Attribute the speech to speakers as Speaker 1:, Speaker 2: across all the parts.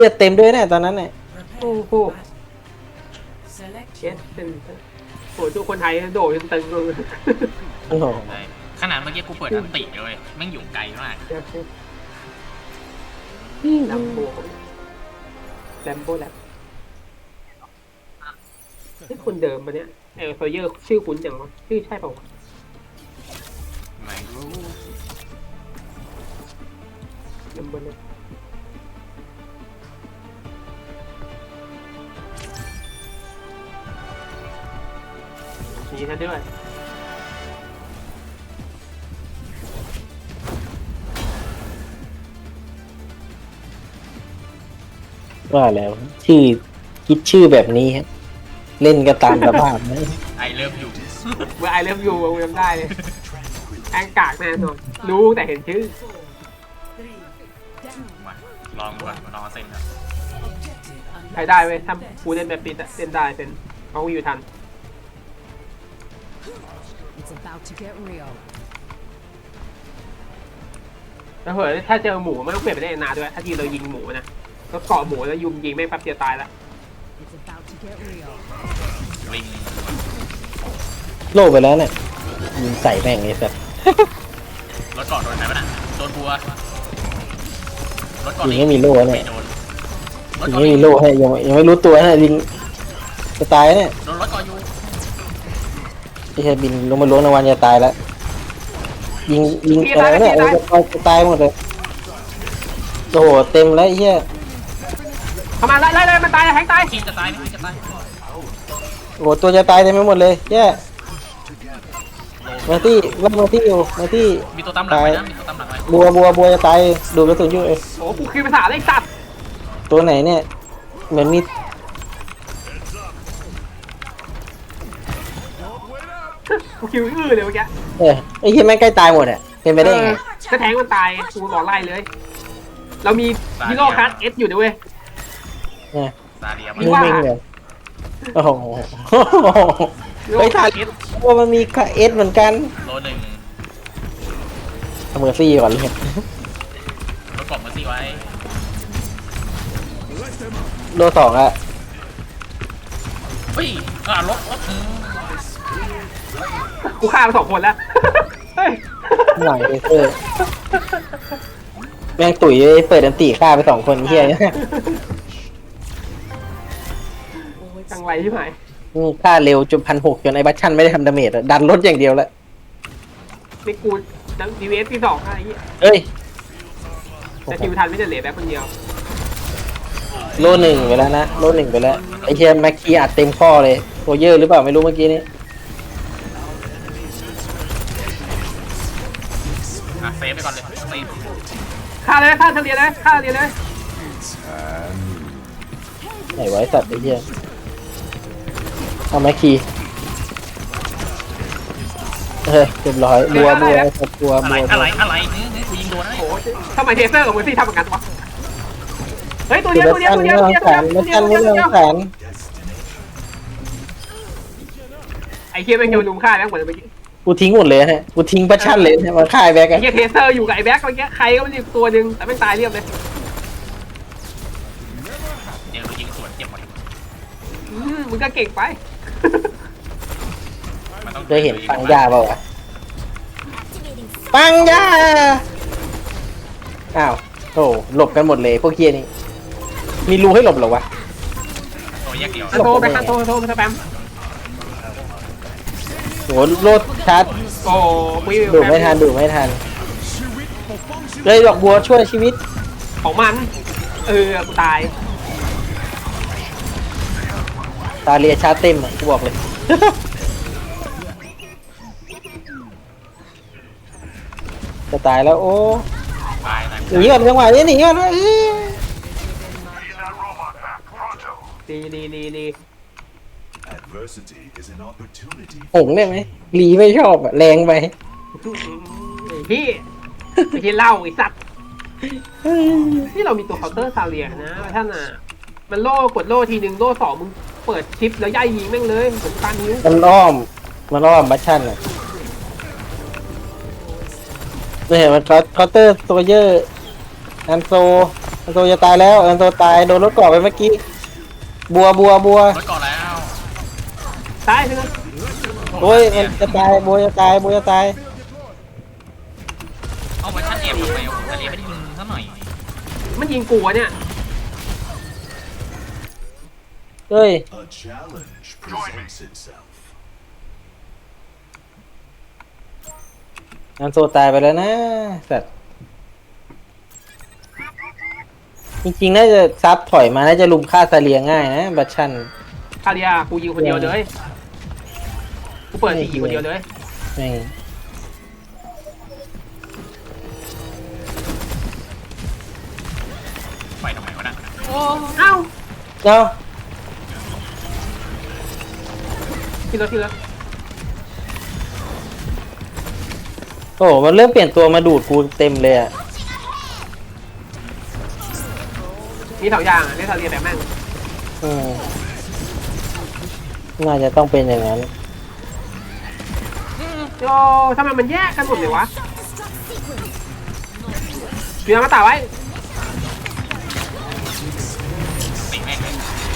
Speaker 1: ลือดเต็มด้วยเนี่ยตอนนั้นเนี่ย
Speaker 2: โอ้โหเช็ดเป็นโอ้ทุกคนไทยโดดจนตึงเลย
Speaker 1: โอ้โห
Speaker 3: ใช่ขนาดเมื่อกี้กูเปิดอันติเลยแม่งอยู่ไกลมาก
Speaker 2: นี่ลัมโบแลมโบแลบนี่คนเดิมปะเนี่ยโซเยอร์ชื่อคุ้นจังวะชื่อใช่เปล่าวะ
Speaker 3: ไม่รู้
Speaker 2: แลมโบแลบมีท่านด้วย
Speaker 1: ว่าแล้วชื่อคิดชื่อแบบนี้ฮะเล่นก็ตามสภาพนะ
Speaker 3: ไอเลิฟอยู่
Speaker 2: เมื่อไอเลิฟยูจำได้เลยแองกากแน่นอนรู้แต่เห็นชื่อ
Speaker 3: มาลองดูก่อนลองเซ็นครับ
Speaker 2: ใครได้เว้ยถ้ากูเล่นแบบปิดอะเล่นได้เป็นเพราะกูอยู่ทัน
Speaker 4: It's about to get real.
Speaker 2: แล้วเผื่อถ้าเจอหมูไม่ต้องเปลี่ยนไปได้นาด้วยถ้าทีเรายิงหมูนะก็เกาะหมูแล้วยุงยิงแม่งแป๊บเดียวตายละ
Speaker 4: It's about to get real.
Speaker 3: ลิง
Speaker 1: โลไปแล้วเนี่ยยิงใส่แม่งเลยสัตว์
Speaker 3: รถเกาะโดนไหนวะน่ะโดนบัวรถเกาะ
Speaker 1: ยิงไม่มีโล่เนี่ย
Speaker 3: ไม่โดนรถ
Speaker 1: ยิง
Speaker 3: เกาะ
Speaker 1: ไม่
Speaker 3: ลิ
Speaker 1: มี
Speaker 3: ง
Speaker 1: โล่ให้ยังไม่รู้ตัวนะยิงจะตายเนี่ย
Speaker 3: โดนรถเกาะอยู่
Speaker 1: ไอ้เหี้ยบินลงมาล้วงในวันจะตายแล้วยิงอะไรเนี่ยจะตายหมดเลยโอ้โหเต็มแล้วไอ้เหี้ย
Speaker 2: เข้ามาไล่มันตายแทงตาย
Speaker 3: ทีมจะตายไหมทีมจะตาย
Speaker 1: โอ้โหตัวจะตายเต็มไปหมดเลยแย่มาที่ว่ามาที่อยู่มาที่
Speaker 3: มีตัวตามหลังไว้นะมีตัวตามหลังไว้
Speaker 1: บัวจะตายดูกระสุนอยู่เอ้ย
Speaker 2: โอ้กูคือภาษาเลยสัตว์
Speaker 1: ตัวไหนเนี่ยเหมือนมี
Speaker 2: กูคิวอื้อเลยเมื่อกี้
Speaker 1: ไอ้เหี้ยแม่งใกล้ตายหมดอ่ะเป็นไปได้ไง
Speaker 2: ก็แทงมันตายกูบอกไล่เลย เรามีฮีโร่คัสเอสอยู่ด้วย
Speaker 1: เนี่ย
Speaker 3: ซาเดีย
Speaker 2: มี
Speaker 3: มา
Speaker 2: ว่า
Speaker 1: นิ่งๆเลยโอ้โห
Speaker 2: ฮีโร่
Speaker 1: ไป
Speaker 2: คั
Speaker 1: ทั
Speaker 2: ส
Speaker 1: น
Speaker 2: เอส
Speaker 1: ว่ามันมีค่าเอสเหมือนกัน
Speaker 3: โลหนึ่ง
Speaker 1: เอาเมอร์ซี่ก่อนเลย
Speaker 3: รถเกาะเมอร์ซี่ไว้
Speaker 1: โลสองอะ
Speaker 3: เฮ้ยรถ
Speaker 2: กูฆ่าไป2 คนแล้วเฮ้ย
Speaker 1: หน่อยเซอร์แม่งตุ๋ยเปิดอันตีฆ่าไป2 คนเฮีย
Speaker 2: จังไรที่ไหน
Speaker 1: ฆ่าเร็วจน1,600จนไอ้บัชชันไม่ได้ทำดาเมจอะดันรถอย่างเดียวแล้ว
Speaker 2: นี่กูดังดีเวสที่2อะไรอย่างเงี้ย
Speaker 1: เอ้ย
Speaker 2: แต่คิวทันไม่ได้เหลือแบบคนเดียว
Speaker 1: โล 1ไปแล้วนะโล 1ไปแล้วไอ้เฮียแม็กคีอัดเต็มข้อเลยโรเยอร์หรือเปล่าไม่รู้เมื่อกี้นี้
Speaker 3: เซฟไปก่อนเลยเซฟ
Speaker 2: ฆ่าเลยฆ่าเฉลี่ยเลยฆ่าเฉลี่ยเลย
Speaker 1: ไหนไวะไอ้สัตว์ไอ้เฮียเอาแม็กคีเรียบร้อยบัวกูยิงโดนนะ
Speaker 2: โอ้ทำไมเทเซอร์กับมือซี่ทำเหมือนกันวะเฮ้ยตัว
Speaker 1: เดี๋
Speaker 2: เดี
Speaker 1: ย
Speaker 2: ยว วตัวเดียวตัวเดียวตัวเดียว
Speaker 1: แม็กชันไม่เรื่องแสน
Speaker 2: ไอ้เคียแม่งโยนลุมฆ่าแม่งหมดเลยเมื่อกี้
Speaker 1: กูทิ้งหมดเลยฮะกูทิ้งบัชชันเลยมาฆ่าไอ้แบ็ก
Speaker 2: ไอ้
Speaker 1: อะ
Speaker 2: เคียเทเซอร์อยู่กับไอ้แบ็คเมื่อกี้ใครก็ไม่รู้ตัวหนึ่งแต่แม่งตายเรียบเลย
Speaker 3: เดี๋ยวยิงสวนเจ็บหมด
Speaker 2: มึงก็เก่งไป
Speaker 1: เคยเห็นปังยาเปล่าวะปังยาอ้าวโอ้หลบกันหมดเลยพวกเคียนี่มีรูให้หลบเหรอวะ
Speaker 3: ตัวแยกเดียว
Speaker 2: โทรไปครับโทรไปสแปม
Speaker 1: โหโลดชาร์จ
Speaker 2: โอ้คุย
Speaker 1: ดูไม่ทันเลยดอกบัวช่วยชีวิต
Speaker 2: ของมันกูตาย
Speaker 1: ตาเรียชาร์จเต็มอะกูบอกเลย จะตายแล้วโอ้
Speaker 3: ตาย
Speaker 1: หนีก่อนจังหวะนี้หนีก่อนวะ
Speaker 2: ดี
Speaker 5: Adversity is an opportunity.
Speaker 1: หงได้ไหมลีไม่ชอบอะแรงไป
Speaker 2: พี่ไม่ใช่เหล้าไอ้สัตว์นี่เรามีตัวเคาน์เตอร์ซาเลียนะท่านน่ะมันโล่กดโล่ทีนึงโล่2มึงเปิดชิปแล้วย่ายยิงแม่งเลยเหมือนตานิ้ว
Speaker 1: มันอ้อมบัชชันอะเนี่ยมันเคาน์เตอร์โซเยอร์อันโซอันโตจะตายแล้วอันโตตายโดนรถเกาะไปเมื่อกี้บัว
Speaker 3: รถก่อนแล้ว
Speaker 2: ตายใช่ไหม
Speaker 1: โอ้ยมันจะตายบัวจะตายบัวจะตาย
Speaker 3: เอาไว้ชั้นเอฟทำไมอ่ะแต่เอฟไม่ได้ยิงซะหน่อย
Speaker 2: มันยิงกูอะเนี่ย
Speaker 1: เฮ้ย
Speaker 5: A challenge presents itself.
Speaker 1: อันโตตายไปแล้วนะสัตว์จริงๆน่าจะซับถอยมาน่าจะลุมฆ่าซาเลียง่ายนะบัตชัน
Speaker 2: คาเรียกูยิงคนเดียวเลยกูเปิดสี่คนเดียวเลย
Speaker 1: แม่ง
Speaker 3: ไปทำไมวะน่ะ
Speaker 2: เอ้า
Speaker 1: เนาะ
Speaker 2: ทีละ
Speaker 1: โอ้โหมันเริ่มเปลี่ยนตัวมาดูดกูเต็มเลยอ่ะ
Speaker 2: มี2อย่างอะเล่นคาเรียแบบแม่ง
Speaker 1: อืมน่าจะต้องเป็นอย่างนั้น
Speaker 2: โอ้ทำไมมันแยกกันหมดเลยวะเดี๋ยวมาตาไว้
Speaker 3: ติดแม่งเลย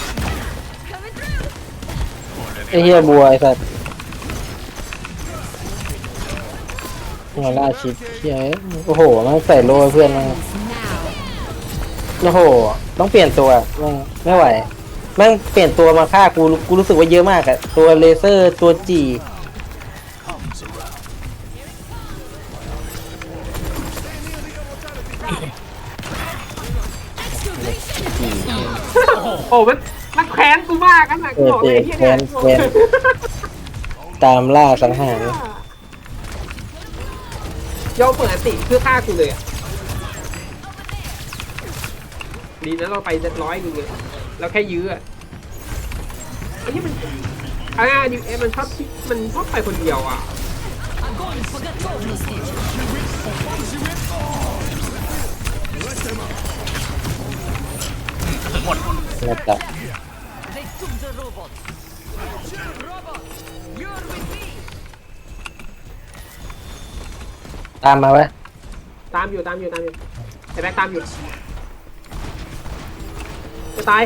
Speaker 1: ไอ้เหี้ยบัวไอ้สัตว์หัวล่าชิดเหี้ยโอ้โหมันใส่โล่ให้เพื่อนมันโอ้โหต้องเปลี่ยนตัวมันไม่ไหวแม่งเปลี่ยนตัวมาฆ่ากูรู้สึกว่าเยอะมากอะตัวเลเซอร์ตัวจี
Speaker 5: Comes around.
Speaker 2: โอ้มันแค้นกูมากกันนะกูบอกเลยไอ้เหี้ย
Speaker 1: แคนแคนตามล่าสังหาร
Speaker 2: ยอมเปิดอันติเพื่อฆ่ากูเลยอะดีนะเราไป100นึงเลยเราแค่ยื้ออะไอ้ที่มันดิเอมันชอบไปคนเดียวอ่ะ
Speaker 3: ถึงหมด
Speaker 1: นะจ๊ะตามมาไว้
Speaker 2: ตามอยู่ไอ้แบ็คตามอยู่จะตาย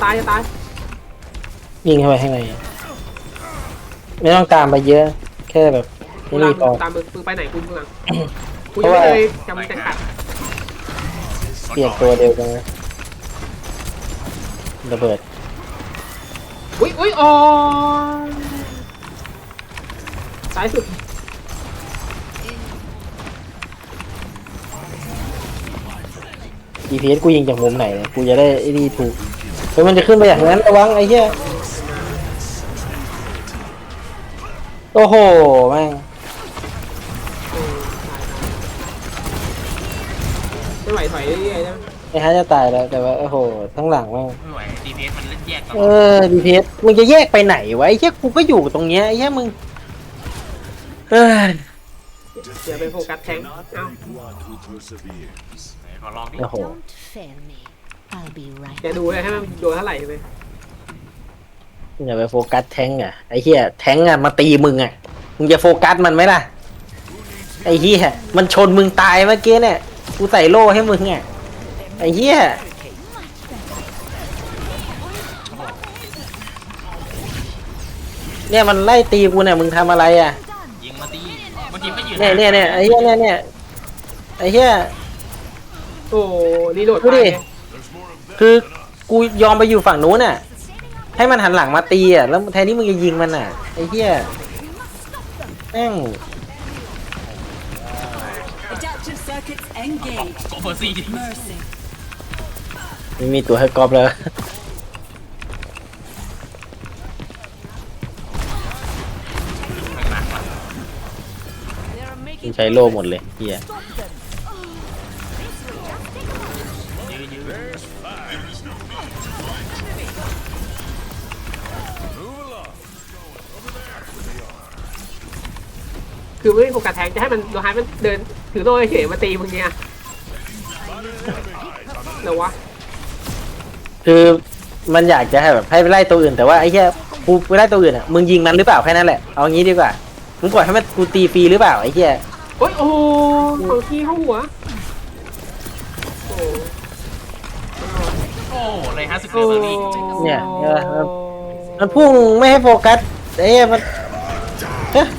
Speaker 1: ยิงเข้าไปข้างในไม่ต้องตามไปเยอะ แค่แบบ
Speaker 2: กู
Speaker 1: นี่พอ
Speaker 2: ตามมึงไปไหนกูเมืองกู
Speaker 1: เพ
Speaker 2: ยัง
Speaker 1: ราะว่า
Speaker 2: ไม่เลยจำจะขัด
Speaker 1: เปลี่ยนตัวเดียวกันนะระเบิด
Speaker 2: อุ้ยอ๋อซ้ายสุด
Speaker 1: GPS กูยิงจากมุมไหนเนี่ยกูจะได้ไอ้นี่ถูกเฮ้ยมันจะขึ้นไปอย่างนั้นระวังไอ้เหี้ยโอ้โหแม่ง
Speaker 2: ไม่ไหวถอยเรื่อยๆนะ
Speaker 1: ไอ้ฮะจะตายแล้วแต่ว่าโอ้โหทั้งหลังแม่ง
Speaker 3: ไม่ไหว DPS มันเล่นแยกตล
Speaker 1: เอ
Speaker 3: อด
Speaker 1: อ GPS มึงจะแยกไปไหนวะไอ้เหี้ยกูก็อยู่ตรงเนี้ยไอ้เหี้ยมึงเอ้ย
Speaker 2: เดี๋ยวไปโฟกัสแทง
Speaker 5: Not
Speaker 2: เอ้า
Speaker 5: everyone who perseveres.
Speaker 3: ไหนขอลองดิ
Speaker 1: โอ้โห
Speaker 4: Don't fail me. I'll be right
Speaker 2: แกดูเลยให้มันโดนเท่าไหร่ไป
Speaker 1: อย่าไปโฟกัสแทงก์อ่ะไอ้เหี้ยแทงก์อ่ะมาตีมึงอ่ะมึงจะโฟกัสมันไหมล่ะไอ้เหี้ยมันชนมึงตายเมื่อกี้เนี่ยกูใส่โล่ให้มึงอ่ะไอ้เหี้ยเนี่ยมันไล่ตีกูเนี่ยมึงทำอะไรอ่ะ
Speaker 3: ยิงมาตีเมื่อกี้ไม่ยืน
Speaker 1: เนี่ยไอ้เหี้ยเนี่ยไอ้เหี้ย
Speaker 2: โอ้รีโหลด
Speaker 1: ดู
Speaker 2: ไป
Speaker 1: ดิคือกูยอมไปอยู่ฝั่งนู้นน่ะให้มันหันหลังมาตีอ่ะแล้วแทนที่มึงจะยิงมันอ่ะไอ้เหี้ยแม่ง
Speaker 4: Adaptive circuits engaged.
Speaker 3: โกเฟอร์ซี่ดิ
Speaker 4: Mercy.
Speaker 1: ไม่มีตัวให้กรอบแล้ว
Speaker 3: ข้างหลังว่ะ
Speaker 1: มันใช้โล่หมดเลยเหี้ย
Speaker 3: ยื้อ
Speaker 2: คือไม่โฟกัสแทงจะให้มันโดนให้มันเดินถือโล่เฉยๆมาตีมึงเนี่ยเหรอวะ
Speaker 1: คือมันอยากจะให้แบบให้ไปไล่ตัวอื่นแต่ว่าไอ้เหี้ยกูไปไล่ตัวอื่นอ่ะมึงยิงมันหรือเปล่าแค่นั้นแหละเอางี้ดีกว่ามึงปล่อยให้มันกูตีฟรีหรือเปล่าไอ้เหี้ย
Speaker 2: โอ้ยโอ้ของขี้เข้าหัวโอ้
Speaker 3: เลย50เดือนมาลี
Speaker 1: เนี่ยเออมันพุ่งไม่ให้โฟกัสเอ้ยมันเอ๊ะ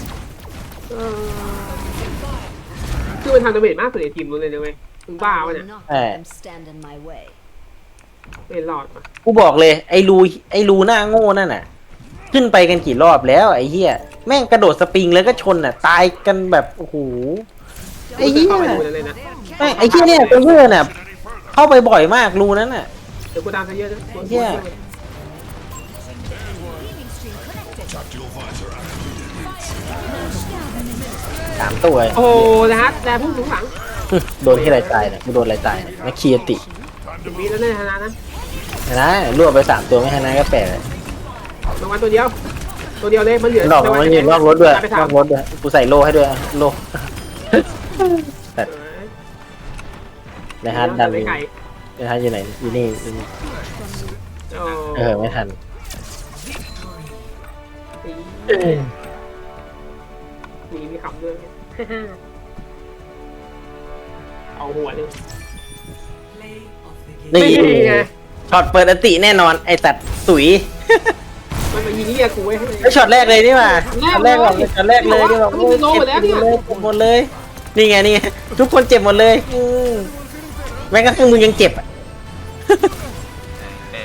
Speaker 2: คือมันทำดาเมจมากสุดในทีมนู้นเลยนะเว้ยมึงบ้าวะเนี่ย
Speaker 4: Not let them stand in my way.
Speaker 2: เป็นหลอดมา
Speaker 1: กูบอกเลยไอ้รูหน้าโง่นั่นน่ะ ขึ้นไปกันกี่รอบแล้วไอ้เหี้ยแม่งกระโดดสปริงแล้วก็ชนน่ะตายกันแบบโอ้โหไอ้เหี้ย
Speaker 2: เข้าไปดูเลยนะ
Speaker 1: แม่งไอ้เหี้ยเนี่ยตัวเหี้ยน่ะเข้าไปบ่อยมากรูนั้นน่ะ
Speaker 2: เดี๋ยวกูตามซะเยอะนะ
Speaker 1: เหี้ย 3 ตัว
Speaker 2: โอ้นะฮะแต่พุ่งถึงหลัง
Speaker 1: โดนที่ไรตายเนี่ยกูโดนอะไรตายเนี่ยมาเคียติ
Speaker 2: ถึงมีแล้วเนี่ยชนะนะ
Speaker 1: นะรวบไป3 ตัวไม่ชนะก็แปลกเลย
Speaker 2: รางวัลตัวเดียวเลยมันเหลือ
Speaker 1: ดอกมันยืนนอกรถด้วย
Speaker 2: ไป
Speaker 1: น
Speaker 2: ถาม
Speaker 1: อกรถด้วยกูใส่โล่ให้ด้วยโล่แต่ในฮาร์ดดัน
Speaker 2: ไป
Speaker 1: อยู่
Speaker 2: ไก่
Speaker 1: ในฮาร์ดอยู่ไหนอยู่นี่อยู่นี่ไม่ทัน
Speaker 2: มีคำด้วยเอาหัวเลย
Speaker 1: นี่
Speaker 2: ไง
Speaker 1: ช็อตเปิดอติแน่นอนไอ้ตัดสุย
Speaker 2: มันมายิงเรียกกูไว้
Speaker 1: ไอ้ช็อตแรกเลยนี่มาช็อตแรกก่อนช็อตแรกเลยนี่แบบ
Speaker 2: มันโลหมดแล้วเนี่ย
Speaker 1: เจ็บหมดเลยนี่ไงนี่ไงทุกคนเจ็บหมดเลยแม้กระทั่งมึงยังเจ็บอ่ะ